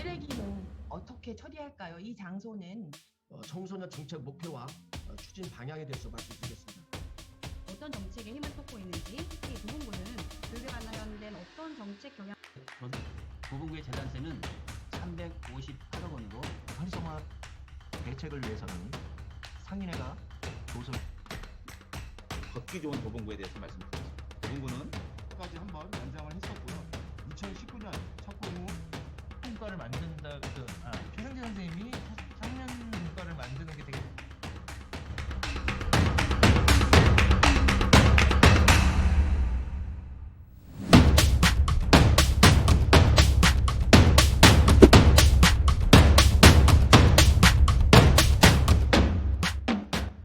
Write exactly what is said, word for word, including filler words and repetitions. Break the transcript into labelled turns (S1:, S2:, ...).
S1: 쓰레기는 어떻게 처리할까요? 이 장소는
S2: 어, 청소년 정책 목표와 어, 추진 방향에 대해서 말씀드리겠습니다.
S3: 어떤 정책에 힘을 쏟고 있는지, 특히 도봉구는 교육에 관련된 어떤 정책 경향
S4: 도봉구의 재단세는 삼백오십팔억 원으로
S5: 활성화 대책을 위해서는 상인회가 조설
S6: 걷기 좋은 도봉구에 대해서 말씀드리겠습니다. 도봉구는
S7: 까지 한번 연장을 했었고요. 이천십구 년 착공 후
S5: 통과를 만든